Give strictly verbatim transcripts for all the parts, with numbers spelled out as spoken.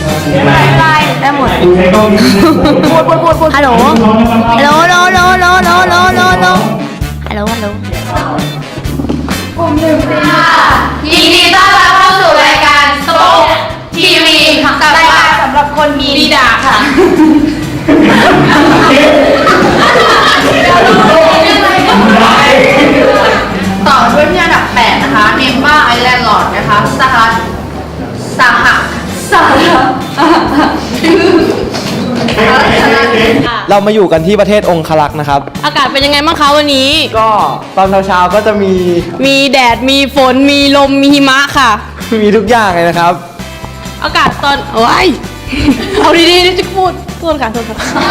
ไม่เป็นไรได้หมดพูดพูดพูดพูดฮัลโหลฮัลโหลฮัลโหลฮัลโหลฮัลโหลฮัลโหลฮัลโหลฮัลโหลฮัลโหลฮัลโหลฮัลโหลยินดีต้อนรับเข้าสู่รายการสโป๊กทีวีกับรายการสำหรับคนมีดีดาค่ะต่อด้วยที่อันดับแปดนะคะเนมบ้าไอแลนด์ลอร์ดนะคะสหรัฐสหสหรัฐเรามาอยู่กันที่ประเทศองครักษ์นะครับอากาศเป็นยังไงบ้างคะวันนี้ก็ตอนเช้าๆก็จะมีมีแดด มีฝน มีลม มีหิมะค่ะมีทุกอย่างเลยนะครับอากาศตอนโอ้ย เอาดีๆนี่จะพูดพูดค่ะโทษค่ะ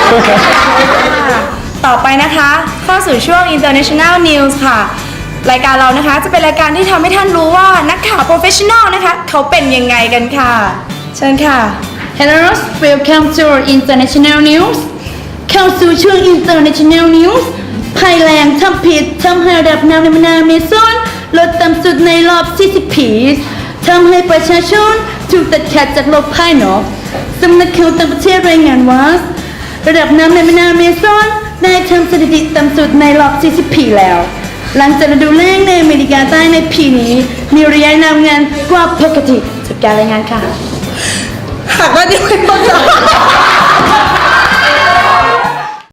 ต่อไปนะคะเข้าสู่ช่วง International News ค่ะ รายการเรานะคะจะเป็นรายการที่ทำให้ท่านรู้ว่านักข่าว professional นะคะเขาเป็นยังไงกันค่ะ เชิญค่ะ Hello welcome to International News เข้าสู่ช่วง International News ภัยแรงทำผิดทำให้ระดับน้ำในแม่น้ำเมซอนลดต่ำสุดในรอบสี่สิบปีทำให้ประชาชนถูกตัดขาดจากโลกภายนอกสำนักข่าวต่างประเทศรายงานว่าระดับน้ำในแม่น้ำเมซอนได้ทำสถิติต่ำสุดในรอบสี่สิบปีแล้วหลังจากฤดูแล้งในอเมริกาใต้ในปีนี้มีระยะน้ำงานกว่าปกติจากการรายงานค่ะหากว่าที่ไม่เข้าใจ